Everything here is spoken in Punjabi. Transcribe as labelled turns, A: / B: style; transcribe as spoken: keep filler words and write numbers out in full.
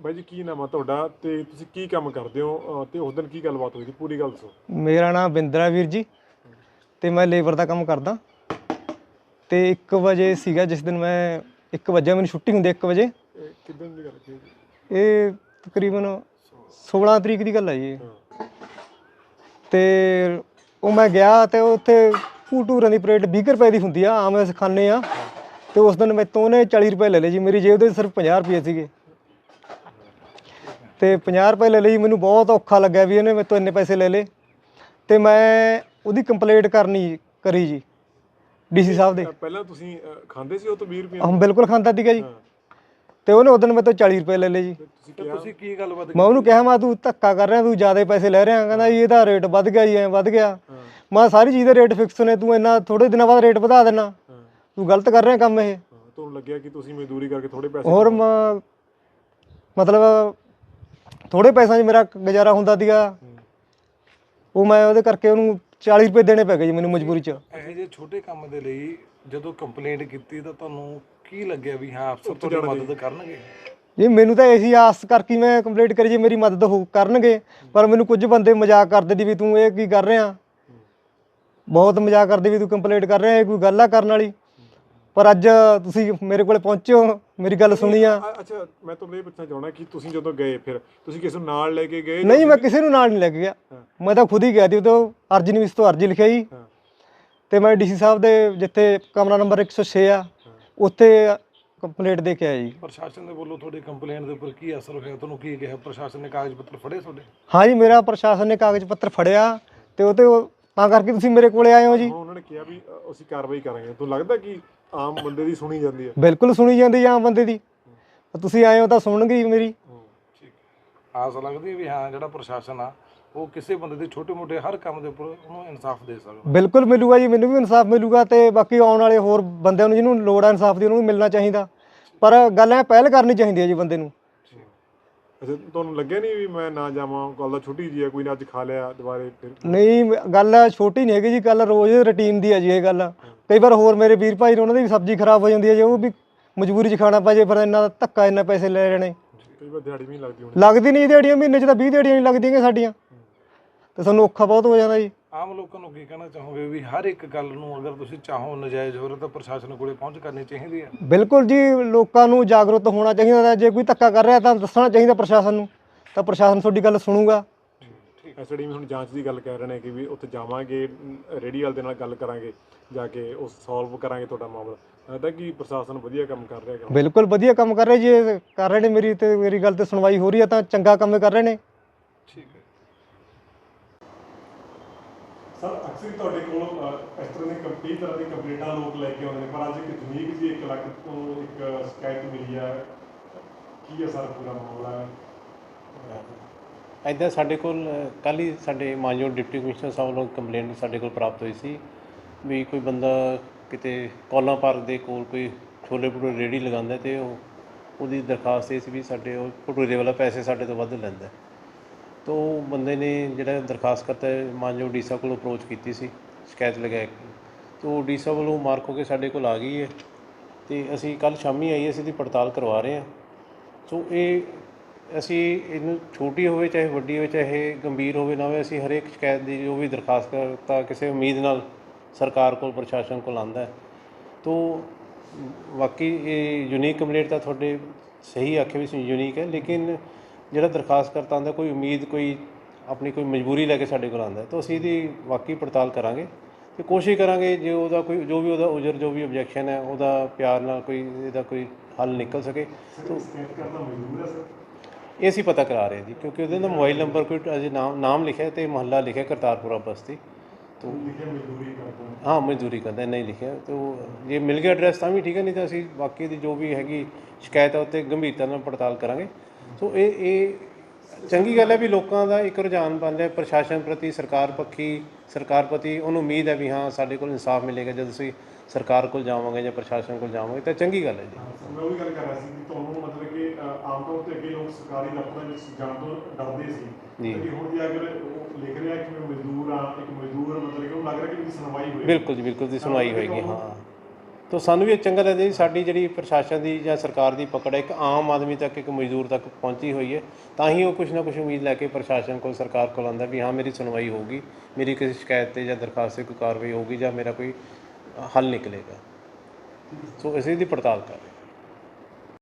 A: ਬਾਈ ਜੀ ਕੀ ਨਾਮ ਆ ਤੁਹਾਡਾ ਤੇ ਤੁਸੀਂ ਕੀ ਕੰਮ ਕਰਦੇ ਹੋ ਤੇ ਉਸ ਦਿਨ ਕੀ ਗੱਲਬਾਤ ਹੋਈ ਸੀ ਪੂਰੀ ਗੱਲ ਦੱਸੋ।
B: ਮੇਰਾ ਨਾਮ ਬਿੰਦਰਾ ਵੀਰ ਜੀ ਤੇ ਮੈਂ ਲੇਬਰ ਦਾ ਕੰਮ ਕਰਦਾ ਤੇ ਇੱਕ ਵਜੇ ਸੀਗਾ ਜਿਸ ਦਿਨ ਮੈਂ ਇੱਕ ਵਜੇ ਮੈਨੂੰ ਛੁੱਟੀ ਹੁੰਦੀ ਇੱਕ ਵਜੇ।
A: ਇਹ ਕਿੱਦਣ ਦੀ ਗੱਲ ਹੈ?
B: ਇਹ ਤਕਰੀਬਨ ਸੋਲਾਂ ਤਰੀਕ ਦੀ ਗੱਲ ਹੈ ਜੀ। ਤੇ ਉਹ ਮੈਂ ਗਿਆ ਤੇ ਉੱਥੇ ਭੂਟੂਰਾਂ ਦੀ ਪਲੇਟ ਵੀਹ ਰੁਪਏ ਦੀ ਹੁੰਦੀ ਆ, ਆਮ ਅਸੀਂ ਖਾਂਦੇ ਆ। ਤੇ ਉਸ ਦਿਨ ਮੈਥੋਂ ਉਹਨੇ ਚਾਲੀ ਰੁਪਏ ਲੈ ਲਏ ਜੀ, ਮੇਰੀ ਜੇਬ ਦੇ ਸਿਰਫ ਪੰਜਾਹ ਰੁਪਏ ਸੀਗੇ ਤੇ ਪੰਜਾਹ ਰੁਪਏ ਲੈ ਲਈ। ਮੈਨੂੰ ਬਹੁਤ ਔਖਾ ਲੱਗਿਆ ਵੀ ਇਹਨੇ ਮੈਥੋਂ ਇੰਨੇ ਪੈਸੇ ਲੈ ਲਏ ਤੇ ਮੈਂ ਉਹਦੀ ਕੰਪਲੇਂਟ ਕਰਨੀ ਕਰੀ ਜੀ ਡੀਸੀ ਸਾਹਿਬ ਦੇ।
A: ਪਹਿਲਾਂ ਤੁਸੀਂ ਖਾਂਦੇ ਸੀ ਉਹ ਤੋਂ ਵੀਹ ਰੁਪਏ?
B: ਹਾਂ ਬਿਲਕੁਲ ਖਾਂਦਾ ਸੀਗਾ ਜੀ। ਤੇ ਉਹਨੇ ਉਸ ਦਿਨ ਮੈਥੋਂ ਚਾਲੀ ਰੁਪਏ ਲੈ ਲਏ ਜੀ।
A: ਤੁਸੀਂ ਕੀ ਗੱਲਬਾਤ?
B: ਮੈਂ ਉਹਨੂੰ ਕਿਹਾ ਮੈਂ ਤੂੰ ਧੱਕਾ ਕਰ ਰਿਹਾ, ਤੂੰ ਜ਼ਿਆਦਾ ਪੈਸੇ ਲੈ ਰਿਹਾ। ਕਹਿੰਦਾ ਜੀ ਇਹਦਾ ਰੇਟ ਵੱਧ ਗਿਆ ਜੀ, ਐਂ ਵੱਧ ਗਿਆ। ਮੈਂ ਸਾਰੀ ਚੀਜ਼ ਦੇ ਰੇਟ ਫਿਕਸ ਨੇ, ਤੂੰ ਇੰਨਾ ਥੋੜੇ ਦਿਨਾਂ ਬਾਅਦ ਰੇਟ ਵਧਾ ਦੇਣਾ, ਤੂੰ ਗਲਤ ਕਰ ਰਿਹਾ ਕੰਮ ਇਹ।
A: ਤੁਹਾਨੂੰ ਲੱਗਿਆ ਕਿ ਤੁਸੀਂ ਮਜ਼ਦੂਰੀ ਕਰਕੇ ਥੋੜੇ ਪੈਸੇ
B: ਹੋਰ ਮਤਲਬ ਥੋੜੇ ਪੈਸਿਆਂ 'ਚ ਮੇਰਾ ਗੁਜ਼ਾਰਾ ਹੁੰਦਾ ਸੀਗਾ, ਉਹ ਮੈਂ ਉਹਦੇ ਕਰਕੇ ਉਹਨੂੰ ਚਾਲੀ ਰੁਪਏ ਦੇਣੇ ਪੈ ਗਏ ਜੀ ਮੈਨੂੰ ਮਜਬੂਰੀ 'ਚ।
C: ਇਹੋ ਜਿਹੇ ਛੋਟੇ ਕੰਮ ਦੇ ਲਈ ਜਦੋਂ ਕੰਪਲੇਂਟ ਕੀਤੀ ਤਾਂ ਤੁਹਾਨੂੰ ਕੀ ਲੱਗਿਆ ਵੀ ਹਾਂ ਅਫਸਰ ਤੁਹਾਡੀ ਮਦਦ ਕਰਨਗੇ?
B: ਜੀ ਮੈਨੂੰ ਤਾਂ ਇਹੀ ਆਸ ਕਰਕੇ ਮੈਂ ਕੰਪਲੇਂਟ ਕਰੀ ਜੀ ਮੇਰੀ ਮਦਦ ਹੋ ਕਰਨਗੇ, ਪਰ ਮੈਨੂੰ ਕੁਝ ਬੰਦੇ ਮਜ਼ਾਕ ਕਰਦੇ ਦੀ ਵੀ ਤੂੰ ਇਹ ਕੀ ਕਰ ਰਿਹਾ, ਬਹੁਤ ਮਜ਼ਾਕ ਕਰਦੇ ਵੀ ਤੂੰ ਕੰਪਲੇਂਟ ਕਰ ਰਿਹਾ, ਇਹ ਕੋਈ ਗੱਲ ਆ ਕਰਨ ਵਾਲੀ। ਪਰ ਅੱਜ ਤੁਸੀਂ ਮੇਰੇ ਕੋਲ ਪਹੁੰਚੇ ਹੋ, ਮੇਰੀ ਗੱਲ ਸੁਣੀ ਆ।
A: ਅੱਛਾ ਮੈਂ ਤੁਹਾਨੂੰ ਇਹ ਪੁੱਛਣਾ ਚਾਹੁੰਦਾ ਕਿ ਤੁਸੀਂ ਜਦੋਂ ਗਏ ਫਿਰ ਤੁਸੀਂ ਕਿਸੇ ਨੂੰ ਨਾਲ ਲੈ ਕੇ ਗਏ?
B: ਨਹੀਂ ਮੈਂ ਕਿਸੇ ਨੂੰ ਨਾਲ ਨਹੀਂ ਲੈ ਕੇ ਗਿਆ, ਮੈਂ ਤਾਂ ਖੁਦ ਹੀ ਗਿਆ ਸੀ। ਉਦੋਂ ਅਰਜੀ ਨਹੀਂ, ਇਸ ਤੋਂ ਅਰਜੀ ਲਿਖਿਆ ਜੀ ਤੇ ਮੈਂ ਡੀਸੀ ਸਾਹਿਬ ਦੇ ਜਿੱਥੇ ਕਮਰਾ ਨੰਬਰ ਇੱਕ ਸੌ ਛੇ ਆ ਉੱਥੇ ਕੰਪਲੇਂਟ ਦੇ ਕੇ ਆਇਆ ਜੀ।
C: ਪ੍ਰਸ਼ਾਸਨ ਦੇ ਵੱਲੋਂ ਤੁਹਾਡੀ ਕੰਪਲੇਂਟ ਦੇ ਉੱਪਰ ਕੀ ਅਸਰ ਹੋਇਆ, ਤੁਹਾਨੂੰ ਕੀ ਕਿਹਾ ਪ੍ਰਸ਼ਾਸਨ ਨੇ? ਕਾਗਜ਼ ਪੱਤਰ ਫੜੇ ਤੁਹਾਡੇ?
B: ਹਾਂ ਜੀ ਮੇਰਾ ਪ੍ਰਸ਼ਾਸਨ ਨੇ ਕਾਗਜ਼ ਪੱਤਰ ਫੜਿਆ ਤੇ ਉਹ ਤੇ ਤਾਂ ਕਰਕੇ ਤੁਸੀਂ ਮੇਰੇ ਕੋਲੇ ਆਏ ਹੋ ਜੀ।
A: ਉਹਨਾਂ ਨੇ ਕਿਹਾ ਵੀ ਅਸੀਂ ਕਾਰਵਾਈ ਕਰਾਂਗੇ, ਤੁਹਾਨੂੰ ਲੱਗਦਾ ਕਿ ਆਮ ਬੰਦੇ ਦੀ ਸੁਣੀ ਜਾਂਦੀ ਹੈ?
B: ਬਿਲਕੁਲ ਸੁਣੀ ਜਾਂਦੀ ਆਮ ਬੰਦੇ ਦੀ, ਤੁਸੀਂ ਆਏ ਹੋ ਤਾਂ ਸੁਣਨਗੇ ਮੇਰੀ।
C: ਠੀਕ ਹੈ, ਆਸ ਲੱਗਦੀ ਹੈ ਵੀ ਹਾਂ ਜਿਹੜਾ ਪ੍ਰਸ਼ਾਸਨ ਆ ਉਹ ਕਿਸੇ ਬੰਦੇ ਦੇ ਛੋਟੇ ਮੋਟੇ ਹਰ ਕੰਮ ਦੇ ਉੱਪਰ ਉਹਨੂੰ ਇਨਸਾਫ ਦੇ ਸਕਦਾ।
B: ਬਿਲਕੁਲ ਮਿਲੂਗਾ ਜੀ, ਮੈਨੂੰ ਵੀ ਇਨਸਾਫ ਮਿਲੂਗਾ ਤੇ ਬਾਕੀ ਆਉਣ ਵਾਲੇ ਹੋਰ ਬੰਦਿਆਂ ਨੂੰ ਜਿਹਨੂੰ ਲੋੜ ਆ ਇਨਸਾਫ ਦੀ ਉਹਨੂੰ ਵੀ ਮਿਲਣਾ ਚਾਹੀਦਾ। ਪਰ ਗੱਲ ਐ ਪਹਿਲ ਕਰਨੀ ਚਾਹੀਦੀ ਹੈ ਜੀ ਬੰਦੇ ਨੂੰ।
A: ਅੱਛਾ ਤੁਹਾਨੂੰ ਲੱਗਿਆ ਨਹੀਂ ਵੀ ਮੈਂ ਨਾ ਜਾਵਾਂ, ਗੱਲ ਤਾਂ ਛੋਟੀ ਜੀ ਹੈ, ਕੋਈ ਨਾ ਅੱਜ ਖਾ ਲਿਆ ਦੁਬਾਰੇ ਫਿਰ?
B: ਨਹੀਂ ਗੱਲ ਛੋਟੀ ਨਹੀਂ ਹੈਗੀ ਜੀ, ਗੱਲ ਰੋਜ਼ ਰੂਟੀਨ ਦੀ ਹੈ ਜੀ ਇਹ ਗੱਲ। ਕਈ ਵਾਰ ਹੋਰ ਮੇਰੇ ਵੀਰ ਭਾਈ ਨੇ ਉਹਨਾਂ ਦੀ ਵੀ ਸਬਜ਼ੀ ਖਰਾਬ ਹੋ ਜਾਂਦੀ ਹੈ ਜੀ, ਉਹ ਵੀ ਮਜਬੂਰੀ 'ਚ ਖਾਣਾ ਪੈ ਜੇ, ਫਿਰ ਇੰਨਾ ਧੱਕਾ ਇੰਨਾ ਪੈਸੇ ਲੈ ਰਹੇ ਨੇ।
A: ਕਈ ਵਾਰ ਦਿਹਾੜੀ ਵੀ ਨਹੀਂ ਲੱਗਦੀ ਹੋਣੀ?
B: ਲੱਗਦੀ ਨਹੀਂ ਦਿਹਾੜੀਆਂ, ਮਹੀਨੇ 'ਚ ਤਾਂ ਵੀਹ ਦਿਹਾੜੀਆਂ ਨਹੀਂ ਲੱਗਦੀਆਂ ਸਾਡੀਆਂ, ਤੇ ਸਾਨੂੰ ਔਖਾ ਬਹੁਤ ਹੋ ਜਾਂਦਾ ਜੀ।
C: ਆਮ ਲੋਕਾਂ ਨੂੰ ਕੀ ਕਹਿਣਾ ਚਾਹੋਗੇ ਵੀ ਹਰ ਇੱਕ ਗੱਲ ਨੂੰ ਅਗਰ ਤੁਸੀਂ ਚਾਹੋ ਨਜਾਇਜ਼ ਹੋ ਰਿਹਾ ਤਾਂ ਪ੍ਰਸ਼ਾਸਨ ਕੋਲੇ ਪਹੁੰਚ ਕਰਨੀ ਚਾਹੀਦੀ ਹੈ?
B: ਬਿਲਕੁਲ ਜੀ, ਲੋਕਾਂ ਨੂੰ ਜਾਗਰੂਕ ਹੋਣਾ ਚਾਹੀਦਾ। ਜੇ ਕੋਈ ਧੱਕਾ ਕਰ ਰਿਹਾ ਤਾਂ ਦੱਸਣਾ ਚਾਹੀਦਾ ਪ੍ਰਸ਼ਾਸਨ ਨੂੰ, ਤਾਂ ਪ੍ਰਸ਼ਾਸਨ ਤੁਹਾਡੀ ਗੱਲ ਸੁਣੂਗਾ।
A: ਐਸਡੀ ਵੀ ਹੁਣ ਜਾਂਚ ਦੀ ਗੱਲ ਕਰ ਰਹੇ ਨੇ ਕਿ ਵੀ ਉੱਥੇ ਜਾਵਾਂਗੇ, ਰੇਹੜੀ ਵਾਲੇ ਦੇ ਨਾਲ ਗੱਲ ਕਰਾਂਗੇ, ਜਾ ਕੇ ਉਹ ਸੋਲਵ ਕਰਾਂਗੇ ਤੁਹਾਡਾ ਮਾਮਲਾ। ਲੱਗਦਾ ਕਿ ਪ੍ਰਸ਼ਾਸਨ ਵਧੀਆ ਕੰਮ ਕਰ ਰਿਹਾ?
B: ਬਿਲਕੁਲ ਵਧੀਆ ਕੰਮ ਕਰ ਰਹੇ ਜੀ, ਇਹ ਕਰ ਰਹੇ ਨੇ। ਮੇਰੀ ਤੇ ਮੇਰੀ ਗੱਲ ਤੇ ਸੁਣਵਾਈ ਹੋ ਰਹੀ ਹੈ ਤਾਂ ਚੰਗਾ ਕੰਮ ਕਰ ਰਹੇ ਨੇ।
C: ਠੀਕ ਹੈ
A: ਸਰ, ਅਕਸਰ ਤੁਹਾਡੇ ਕੋਲ ਇਸ ਤਰ੍ਹਾਂ ਦੀ ਕਈ ਤਰ੍ਹਾਂ ਦੀ ਕੰਪਲੇਂਟਾਂ ਲੋਕ ਲੈ ਕੇ ਆਉਂਦੇ ਨੇ, ਪਰ ਅੱਜ ਇੱਕ ਯੂਨੀਕ ਜੀ ਇੱਕ ਲੱਖ ਤੋਂ ਇੱਕ ਸ਼ਿਕਾਇਤ ਮਿਲੀ ਹੈ, ਕੀ ਹੈ ਸਰ ਪੂਰਾ ਮਾਮਲਾ?
D: ਇੱਦਾਂ ਸਾਡੇ ਕੋਲ ਕੱਲ੍ਹ ਹੀ ਸਾਡੇ ਮਾਨਯੋਗ ਡਿਪਟੀ ਕਮਿਸ਼ਨਰ ਸਾਹਿਬ ਵੱਲੋਂ ਕੰਪਲੇਂਟ ਸਾਡੇ ਕੋਲ ਪ੍ਰਾਪਤ ਹੋਈ ਸੀ ਵੀ ਕੋਈ ਬੰਦਾ ਕਿਤੇ ਕੌਲਾਂ ਪਾਰਕ ਦੇ ਕੋਲ ਕੋਈ ਛੋਲੇ ਭਟੂਰੇ ਰੇਹੜੀ ਲਗਾਉਂਦਾ ਅਤੇ ਉਹ ਉਹਦੀ ਦਰਖਾਸਤ ਇਹ ਸੀ ਵੀ ਸਾਡੇ ਉਹ ਭਟੂਰੇ ਵਾਲਾ ਪੈਸੇ ਸਾਡੇ ਤੋਂ ਵੱਧ ਲੈਂਦਾ। ਤਾਂ ਉਹ ਬੰਦੇ ਨੇ ਜਿਹੜਾ ਦਰਖਾਸਤ ਕਰਤਾ ਮਾਨਯੋਗ ਡੀ ਸਾਹਿਬ ਕੋਲ ਅਪਰੋਚ ਕੀਤੀ ਸੀ ਸ਼ਿਕਾਇਤ ਲਗਾ ਕੇ, ਤਾਂ ਉਹ ਡੀ ਸਾਹਿਬ ਵੱਲੋਂ ਮਾਰਕ ਹੋ ਕੇ ਸਾਡੇ ਕੋਲ ਆ ਗਈ ਹੈ ਅਤੇ ਅਸੀਂ ਕੱਲ੍ਹ ਸ਼ਾਮੀ ਆਈ ਅਸੀਂ ਇਹਦੀ ਪੜਤਾਲ ਕਰਵਾ ਰਹੇ ਹਾਂ। ਸੋ ਇਹ ਅਸੀਂ ਇਹਨੂੰ ਛੋਟੀ ਹੋਵੇ ਚਾਹੇ ਵੱਡੀ ਹੋਵੇ, ਚਾਹੇ ਗੰਭੀਰ ਹੋਵੇ ਨਾ ਹੋਵੇ, ਅਸੀਂ ਹਰੇਕ ਸ਼ਿਕਾਇਤ ਦੀ ਜੋ ਵੀ ਦਰਖਾਸਤ ਕਰਤਾ ਕਿਸੇ ਉਮੀਦ ਨਾਲ ਸਰਕਾਰ ਕੋਲ ਪ੍ਰਸ਼ਾਸਨ ਕੋਲ ਆਉਂਦਾ ਹੈ। ਤਾਂ ਬਾਕੀ ਇਹ ਯੂਨੀਕ ਕੰਪਲੇਂਟ ਤਾਂ ਤੁਹਾਡੇ ਸਹੀ ਆਖੇ ਵੀ ਯੂਨੀਕ ਹੈ, ਲੇਕਿਨ ਜਿਹੜਾ ਦਰਖਾਸਤ ਕਰਤਾ ਆਉਂਦਾ ਕੋਈ ਉਮੀਦ ਕੋਈ ਆਪਣੀ ਕੋਈ ਮਜਬੂਰੀ ਲੈ ਕੇ ਸਾਡੇ ਕੋਲ ਆਉਂਦਾ, ਤਾਂ ਅਸੀਂ ਇਹਦੀ ਵਾਕਈ ਪੜਤਾਲ ਕਰਾਂਗੇ ਅਤੇ ਕੋਸ਼ਿਸ਼ ਕਰਾਂਗੇ ਜੇ ਉਹਦਾ ਕੋਈ ਜੋ ਵੀ ਉਹਦਾ ਉਜਰ ਜੋ ਵੀ ਓਬਜੈਕਸ਼ਨ ਹੈ ਉਹਦਾ ਪਿਆਰ ਨਾਲ ਕੋਈ ਇਹਦਾ ਕੋਈ ਹੱਲ ਨਿਕਲ ਸਕੇ। ਇਹ ਅਸੀਂ ਪਤਾ ਕਰਾ ਰਹੇ ਜੀ, ਕਿਉਂਕਿ ਉਹਦੇ ਦਾ ਮੋਬਾਈਲ ਨੰਬਰ ਕੋਈ ਅਜੇ ਨਾਮ ਨਾਮ ਲਿਖਿਆ ਅਤੇ ਮੁਹੱਲਾ ਲਿਖਿਆ ਕਰਤਾਰਪੁਰਾ ਬਸਤੀ। ਤੋ ਹਾਂ ਮਜ਼ਦੂਰੀ ਕਰਦਾ, ਨਹੀਂ ਲਿਖਿਆ ਤਾਂ ਜੇ ਮਿਲ ਗਿਆ ਐਡਰੈਸ ਤਾਂ ਵੀ ਠੀਕ ਹੈ, ਨਹੀਂ ਤਾਂ ਅਸੀਂ ਬਾਕੀ ਦੀ ਜੋ ਵੀ ਹੈਗੀ ਸ਼ਿਕਾਇਤ ਆ ਉੱਤੇ ਗੰਭੀਰਤਾ ਨਾਲ ਪੜਤਾਲ ਕਰਾਂਗੇ। ਸੋ ਇਹ ਇਹ ਚੰਗੀ ਗੱਲ ਹੈ ਵੀ ਲੋਕਾਂ ਦਾ ਇੱਕ ਰੁਝਾਨ ਬਣ ਰਿਹਾ ਪ੍ਰਸ਼ਾਸਨ ਪ੍ਰਤੀ, ਸਰਕਾਰ ਪੱਖੀ ਸਰਕਾਰ ਪ੍ਰਤੀ ਉਹਨੂੰ ਉਮੀਦ ਹੈ ਵੀ ਹਾਂ ਸਾਡੇ ਕੋਲ ਇਨਸਾਫ ਮਿਲੇਗਾ ਜਦ ਅਸੀਂ ਸਰਕਾਰ ਕੋਲ ਜਾਵਾਂਗੇ ਜਾਂ ਪ੍ਰਸ਼ਾਸਨ ਕੋਲ ਜਾਵਾਂਗੇ, ਤਾਂ ਚੰਗੀ ਗੱਲ ਹੈ ਜੀ।
A: ਮੈਂ ਉਹੀ ਗੱਲ ਕਰ ਰਿਹਾ ਸੀ ਕਿ ਤੁਹਾਨੂੰ ਮਤਲਬ ਕਿ ਆਮ ਤੌਰ 'ਤੇ ਅੱਗੇ ਲੋਕ ਸਰਕਾਰੀ ਦਫ਼ਤਰਾਂ ਵਿੱਚ ਜਾਣ ਤੋਂ ਡਰਦੇ ਸੀ ਜੀ, ਹੁਣ ਜੇ ਅਗਰ ਉਹ ਲਿਖ ਰਿਹਾ ਕਿ ਮੈਂ ਮਜ਼ਦੂਰ ਹਾਂ, ਇੱਕ ਮਜ਼ਦੂਰ ਮਤਲਬ ਕਿ ਉਹਨੂੰ ਲੱਗ ਰਿਹਾ ਕਿ ਮੇਰੀ ਸੁਣਵਾਈ ਹੋਈ।
D: ਬਿਲਕੁਲ ਜੀ, ਬਿਲਕੁਲ ਦੀ ਸੁਣਵਾਈ ਹੋਏਗੀ। ਹਾਂ ਤਾਂ ਸਾਨੂੰ ਵੀ ਇਹ ਚੰਗਾ ਲੱਗਦਾ ਜੀ ਸਾਡੀ ਜਿਹੜੀ ਪ੍ਰਸ਼ਾਸਨ ਦੀ ਜਾਂ ਸਰਕਾਰ ਦੀ ਪਕੜ ਹੈ ਇੱਕ ਆਮ ਆਦਮੀ ਤੱਕ ਇੱਕ ਮਜ਼ਦੂਰ ਤੱਕ ਪਹੁੰਚੀ ਹੋਈ ਹੈ, ਤਾਂ ਹੀ ਉਹ ਕੁਛ ਨਾ ਕੁਛ ਉਮੀਦ ਲੈ ਕੇ ਪ੍ਰਸ਼ਾਸਨ ਕੋਲ ਸਰਕਾਰ ਕੋਲ ਆਉਂਦਾ ਵੀ ਹਾਂ ਮੇਰੀ ਸੁਣਵਾਈ ਹੋਊਗੀ, ਮੇਰੀ ਕਿਸੇ ਸ਼ਿਕਾਇਤ 'ਤੇ ਜਾਂ ਦਰਖਾਸਤ 'ਤੇ ਕੋਈ ਕਾਰਵਾਈ ਹੋਊਗੀ ਜਾਂ ਮੇਰਾ ਕੋਈ ਹੱਲ ਨਿਕਲੇਗਾ। ਸੋ ਅਸੀਂ ਇਹਦੀ ਪੜਤਾਲ ਕਰ ਰਹੇ ਹਾਂ।